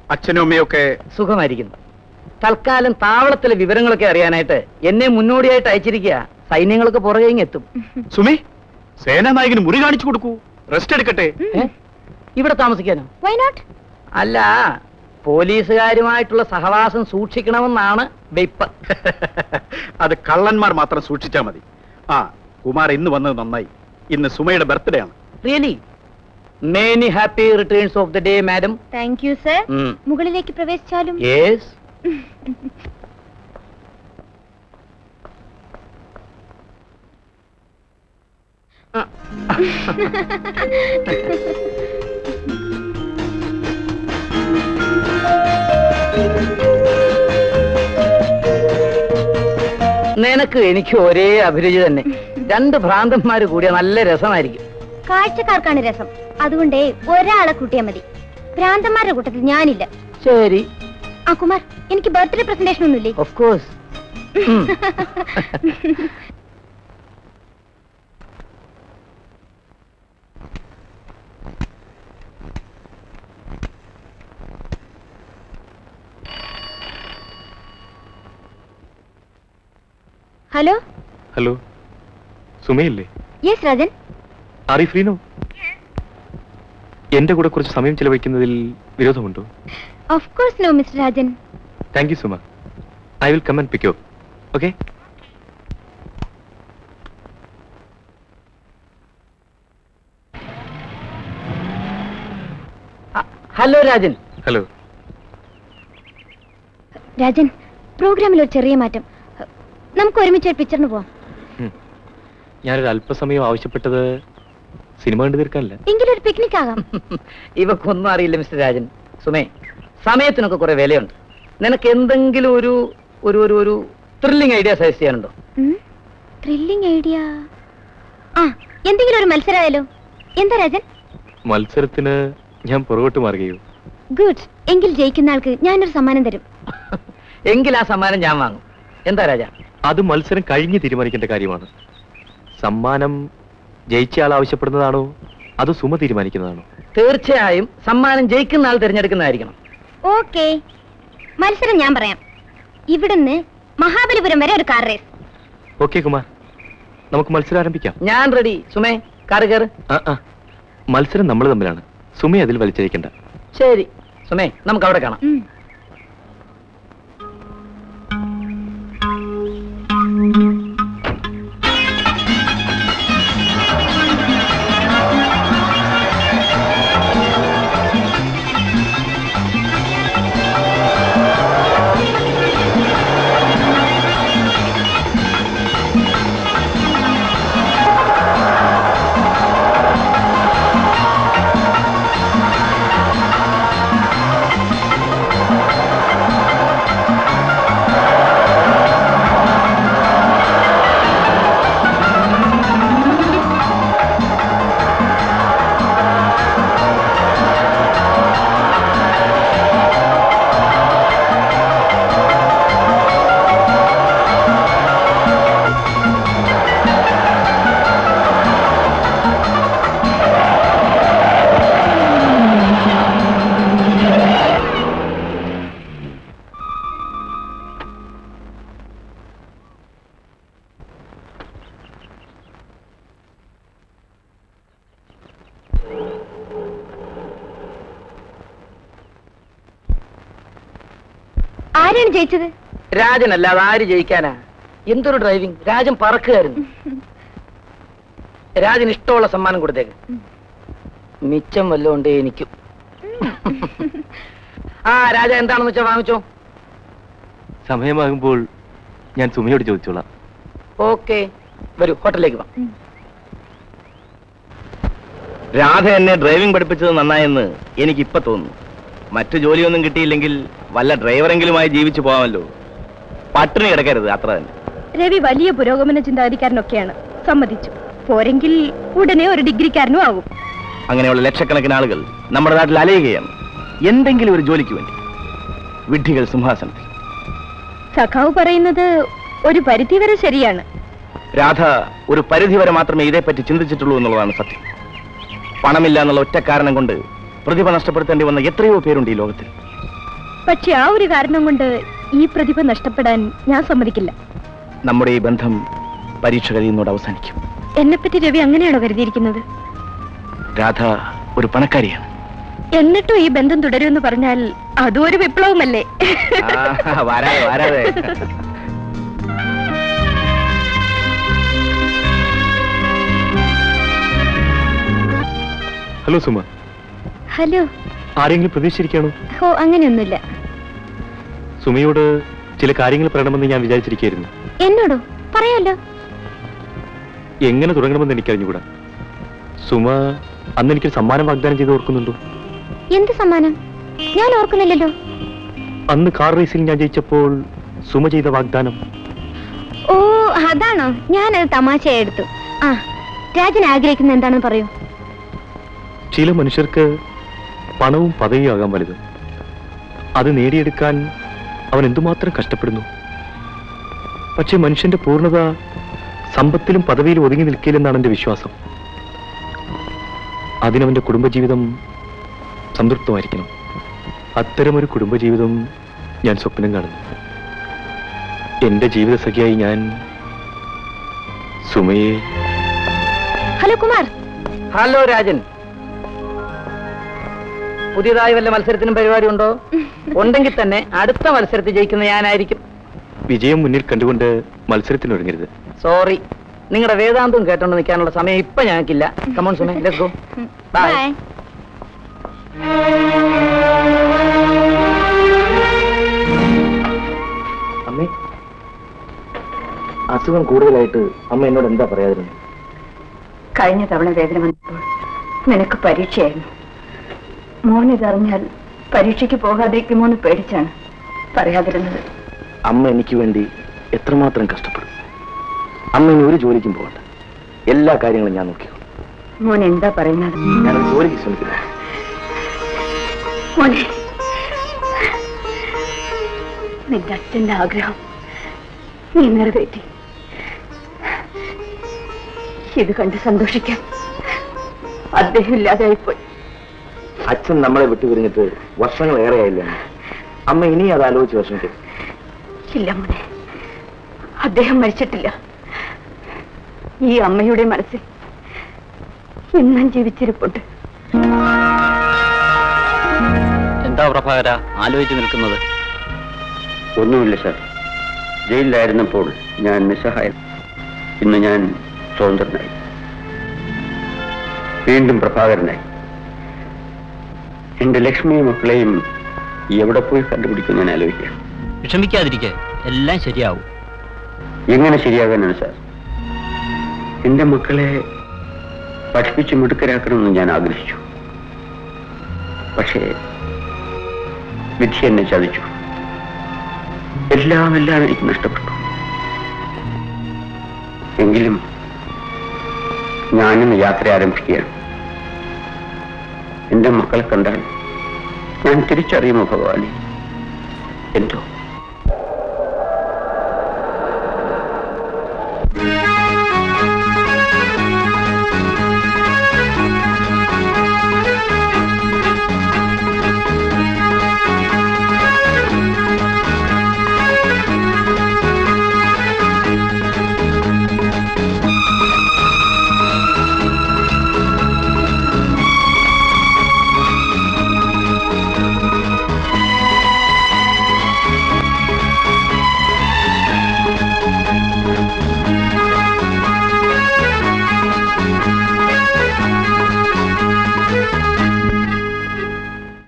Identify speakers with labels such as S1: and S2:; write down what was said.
S1: അച്ഛനും അമ്മയൊക്കെ
S2: സുഖമായിരിക്കുന്നു. തൽക്കാലം താവളത്തിലെ വിവരങ്ങളൊക്കെ അറിയാനായിട്ട് എന്നെ മുന്നോടിയായിട്ട് അയച്ചിരിക്കുക. സൈന്യങ്ങളൊക്കെ പുറകെ എത്തും.
S1: സുമി, സേനാനായകന് മുറി കാണിച്ചു കൊടുക്കൂ. റെസ്റ്റ് എടുക്കട്ടെ.
S2: ഇവിടെ താമസിക്കാനോ?
S3: Why not?
S2: അല്ല, പോലീസുകാരുമായിട്ടുള്ള സഹവാസം സൂക്ഷിക്കണമെന്നാണ് വെയ്പ്പ്.
S1: അത് കള്ളന്മാർ മാത്രം സൂക്ഷിച്ചാ മതി. ആ, കുമാർ ഇന്ന് വന്നത് നന്നായി. ഇന്ന് സുമയുടെ ബർത്ത്ഡേ ആണ്.
S2: Really? Many happy returns of the day madam.
S3: Thank you sir. മുകളിലേക്ക് പ്രവേശിച്ചാലും?
S2: യെസ്. നിനക്ക് എനിക്ക് ഒരേ അഭിരുചി തന്നെ. രണ്ട് ഭ്രാന്തന്മാര് കൂടിയ നല്ല രസമായിരിക്കും.
S3: കാഴ്ചക്കാർക്കാണ് രസം. അതുകൊണ്ടേ ഒരാളെ കൂട്ടിയാ മതി. ഭ്രാന്തന്മാരുടെ കൂട്ടത്തിൽ ഞാനില്ല.
S2: ശരി.
S3: ആ കുമാർ, എനിക്ക് ബർത്ത്ഡേ പ്രസന്റേഷൻ ഒന്നുമില്ലേ?
S2: Of course.
S3: ഹലോ.
S4: ഹലോ, സുമയല്ലേ?
S3: Yes Rajan.
S4: Are you free now? എന്റെ കൂടെ കുറച്ച് സമയം ചിലവഴിക്കുന്നതിൽ വിരോധമുണ്ടോ?
S3: Of course no mister Rajan.
S4: Thank you Suma. I will come and pick you up. Okay?
S2: Hello Rajan.
S4: Hello
S3: Rajan, പ്രോഗ്രാമിൽ ഒരു ചെറിയ മാറ്റം. നമുക്ക് ഒരുമിച്ച് ഒരു പിക്ചറിന് പോവാം.
S4: ഞാനൊരു അല്പസമയം ആവശ്യപ്പെട്ടത് സിനിമ കണ്ടു തീർക്കാനല്ല.
S3: എങ്കിലൊരു പിക്നിക് ആകാം.
S2: ഇവക്കൊന്നും അറിയില്ല മിസ്റ്റർ രാജൻ. സുമേ, സമയത്തിനൊക്കെ കുറെ വിലയുണ്ട്. നിനക്ക് എന്തെങ്കിലും ഒരു ഒരു ഒരു ഒരു ത്രില്ലിംഗ് ഐഡിയ സജസ്റ്റ് ചെയ്യാനുണ്ടോ?
S3: Thrilling idea? ആ, എന്തെങ്കിലും ഒരു മത്സരമായാലോ? എന്താ രാജൻ?
S4: മത്സരത്തിന് ഞാൻ പുറകോട്ട് മാറുകയോ?
S3: ഗുഡ്. എങ്കിൽ ജയിക്കുന്ന ആൾക്ക് ഞാനൊരു സമ്മാനം തരും.
S2: എങ്കിൽ ആ സമ്മാനം ഞാൻ വാങ്ങും. എന്താ രാജ?
S4: അത് മത്സരം കഴിഞ്ഞ് തീരുമാനിക്കേണ്ട കാര്യമാണ്. സമ്മാനം ജയിച്ചയാൾ ആവശ്യപ്പെടുന്നതാണോ അതോ സുമ തീരുമാനിക്കുന്നതാണോ?
S2: തീർച്ചയായും സമ്മാനം ജയിക്കുന്ന ആൾ തിരഞ്ഞെടുക്കുന്നതായിരിക്കണം.
S3: ഓക്കെ, മത്സരം ഞാൻ പറയാം. ഇവിടുന്ന് മഹാബലിപുരം വരെ ഒരു കാർ റേസ്.
S4: ഓക്കെ കുമാർ, നമുക്ക് മത്സരം ആരംഭിക്കാം.
S2: ഞാൻ റെഡി. സുമേ, കാറ് കയറ്.
S4: മത്സരം നമ്മൾ തമ്മിലാണ്. സുമ അതിൽ വലിച്ചഴിക്കണ്ട.
S2: ശരി സുമേ, നമുക്ക് അവിടെ കാണാം.
S3: ആരാണ് ജയിച്ചത്?
S2: രാജനല്ല, അത് ആര് ജയിക്കാനാ? എന്തൊരു ഡ്രൈവിംഗ്! രാജൻ പറക്കുകയായിരുന്നു. രാജന് ഇഷ്ടമുള്ള സമ്മാനം കൊടുത്തേക്ക്. മിച്ചം വല്ലോണ്ടേ എനിക്കും. ആ രാജ, എന്താണെന്ന് വെച്ചാ വാങ്ങിച്ചോ.
S4: സമയമാകുമ്പോൾ ഞാൻ സുമയോട് ചോദിച്ചോളാം.
S2: ഓക്കെ, വരൂ, ഹോട്ടലിലേക്ക് വാ.
S5: രാധ എന്നെ ഡ്രൈവിംഗ് പഠിപ്പിച്ചത് നന്നായെന്ന് എനിക്കിപ്പോ തോന്നുന്നു. മറ്റു ജോലിയൊന്നും കിട്ടിയില്ലെങ്കിൽ വല്ല ഡ്രൈവറെങ്കിലുമായി ജീവിച്ചു പോകാമല്ലോ. പട്ടിണി കിടക്കരുത്, അത്ര തന്നെ.
S3: രവി വലിയ പുരോഗമന ചിന്താഗതിക്കാരനൊക്കെയാണ്, സമ്മതിച്ചു. പോരെങ്കിൽ ഉടനെ ഒരു ഡിഗ്രിക്കാരനും ആകും.
S5: അങ്ങനെയുള്ള ലക്ഷക്കണക്കിന് ആളുകൾ നമ്മുടെ നാട്ടിൽ അലയുകയാണ്, എന്തെങ്കിലും ഒരു ജോലിക്ക് വേണ്ടി. വിഡ്ഢികൾ സിംഹാസനത്തിൽ.
S3: സഖാവ് പറയുന്നത് ഒരു പരിധിവരെ ശരിയാണ്.
S5: രാധ ഒരു പരിധിവരെ മാത്രമേ ഇതേപ്പറ്റി ചിന്തിച്ചിട്ടുള്ളൂ എന്നുള്ളതാണ് സത്യം. പണമില്ല എന്നുള്ള ഒറ്റ കാരണം കൊണ്ട് പ്രതിഭ നഷ്ടപ്പെടുത്തേണ്ടി വന്ന എത്രയോ പേരുണ്ട് ഈ ലോകത്തിൽ.
S3: പക്ഷെ ആ ഒരു കാരണം കൊണ്ട് ഈ പ്രതിഭ നഷ്ടപ്പെടാൻ ഞാൻ സമ്മതിക്കില്ല.
S5: നമ്മുടെ ഈ ബന്ധം പരീക്ഷ കഴിയുന്നതോടെ അവസാനിക്കും.
S3: എന്നെപ്പറ്റി രവി അങ്ങനെയാണോ കരുതിയിരിക്കുന്നത്?
S5: രാധ ഒരു പണക്കാരിയാണ്.
S3: എന്നിട്ടും ഈ ബന്ധം തുടരുമെന്ന് പറഞ്ഞാൽ അതും ഒരു വിപ്ലവമല്ലേ?
S5: വരാതെ വരാതെ.
S4: Hello Suma,
S3: hello.
S4: ആരെങ്കിലും പ്രതീക്ഷിച്ചിരിക്കുകയാണോ?
S3: ഓ, അങ്ങനെയൊന്നുമില്ല.
S4: സുമയോട് ചില കാര്യങ്ങൾ പറയണമെന്ന് ഞാൻ വിചാരിച്ചിരിക്കുകയായിരുന്നു.
S3: എന്നോടോ? പറയാലോ.
S4: എങ്ങനെ തുടങ്ങണമെന്ന് എനിക്കറിഞ്ഞുകൂടാ. സുമ അന്ന് എനിക്കൊരു സമ്മാനം വാഗ്ദാനം ചെയ്ത് ഓർക്കുന്നുണ്ടോ?
S3: എന്ത് സമ്മാനം? ഞാൻ ഓർക്കുന്നില്ലല്ലോ.
S4: അന്ന് കാർ റേസിൽ ഞാൻ ജയിച്ചപ്പോൾ സുമ ചെയ്ത വാഗ്ദാനം.
S3: ഓ, അതാണോ? ഞാനത് തമാശയായി എടുത്തു. ആ, രാജൻ ആഗ്രഹിക്കുന്ന എന്താണെന്ന് പറയൂ.
S4: ചില മനുഷ്യർക്ക് പണവും പദവിയും ആകാൻ വലുത്. അത് നേടിയെടുക്കാൻ അവൻ എന്തുമാത്രം കഷ്ടപ്പെടുന്നു. പക്ഷെ മനുഷ്യന്റെ പൂർണ്ണത സമ്പത്തിലും പദവിയിലും ഒതുങ്ങി നിൽക്കില്ലെന്നാണ് എന്റെ വിശ്വാസം. അതിനവന്റെ കുടുംബജീവിതം സംതൃപ്തമായിരിക്കണം. അത്തരമൊരു കുടുംബജീവിതം ഞാൻ സ്വപ്നം കാണുന്നു. എന്റെ ജീവിത സഖിയായി ഞാൻ സുമയെ.
S3: ഹലോ കുമാർ.
S2: ഹലോ രാജൻ. പുതിയതായി വല്ല മത്സരത്തിനും പരിപാടി ഉണ്ടോ? ഉണ്ടെങ്കിൽ തന്നെ അടുത്ത മത്സരത്തിൽ ജയിക്കുന്ന ഞാനായിരിക്കും.
S4: വിജയം മുന്നിൽ കണ്ടുകൊണ്ട് മത്സരത്തിനൊരുങ്ങരുത്.
S2: സോറി, നിങ്ങളുടെ വേദാന്തം കേട്ടോണ്ട് നിൽക്കാനുള്ള സമയം ഇപ്പൊ ഞങ്ങൾക്കില്ല. കമോൺ സുമേ, ലെറ്റ്സ് ഗോ. ബൈ.
S5: അമ്മേ, അസുഖം കൂടുതലായിട്ട് അമ്മ എന്നോട് എന്താ പറയാതിരുന്നു?
S6: കഴിഞ്ഞ തവണ വേദന വന്നപ്പോൾ നിനക്ക് പരീക്ഷയായിരുന്നു. മോനിതറിഞ്ഞാൽ പരീക്ഷയ്ക്ക് പോകാതിരിക്കുമോ എന്ന് പേടിച്ചാണ് പറയാതിരുന്നത്.
S5: അമ്മ എനിക്ക് വേണ്ടി എത്രമാത്രം കഷ്ടപ്പെടും. അമ്മ ഇനി ഒരു ജോലിക്കും പോകണ്ട. എല്ലാ കാര്യങ്ങളും ഞാൻ നോക്കിയോ.
S6: മോൻ എന്താ പറയുന്നത്?
S5: ഞാനൊരു ജോലിക്ക് ശ്രമിക്കുന്നു.
S6: മോനെ, നിന്റെ അച്ഛന്റെ ആഗ്രഹം നീ നിറവേറ്റി. ഇത് കണ്ട് സന്തോഷിക്കാൻ അദ്ദേഹം ഇല്ലാതായിപ്പോയി.
S5: അച്ഛൻ നമ്മളെ വിട്ടുപിരിഞ്ഞിട്ട് വർഷങ്ങളേറെയായില്ലേ അമ്മ? ഇനി അത് ആലോചിച്ച് വിഷമിക്കും.
S6: ഇല്ല മോനെ, അദ്ദേഹം മരിച്ചിട്ടില്ല. ഈ അമ്മയുടെ മനസ്സിൽ ഇന്നും ജീവിച്ചിരിപ്പുണ്ട്.
S2: എന്താ പ്രഭാകര ആലോചിച്ച് നിൽക്കുന്നത്?
S7: ഒന്നുമില്ല സാർ. ജയിലിലായിരുന്നപ്പോൾ ഞാൻ നിസ്സഹായം. ഇന്ന് ഞാൻ സ്വതന്ത്രനായി, വീണ്ടും പ്രഭാകരനായി. എന്റെ ലക്ഷ്മിയും മക്കളെയും എവിടെ പോയി കണ്ടുപിടിക്കും ഞാൻ ആലോചിക്കാം.
S2: വിഷമിക്കാതിരിക്കെ, എല്ലാം ശരിയാവും.
S7: എങ്ങനെ ശരിയാകാനാണ് സാർ? എന്റെ മക്കളെ പഠിപ്പിച്ച് മിടുക്കരാക്കണമെന്ന് ഞാൻ ആഗ്രഹിച്ചു. പക്ഷേ വിധി എന്നെ ചതിച്ചു. എല്ലാം എനിക്ക് നഷ്ടപ്പെട്ടു. എങ്കിലും ഞാനിന്ന് യാത്ര ആരംഭിക്കുകയാണ്. എന്റെ മക്കളെ കണ്ടാൽ ഞാൻ തിരിച്ചറിയുമോ ഭഗവാനെ? എന്തോ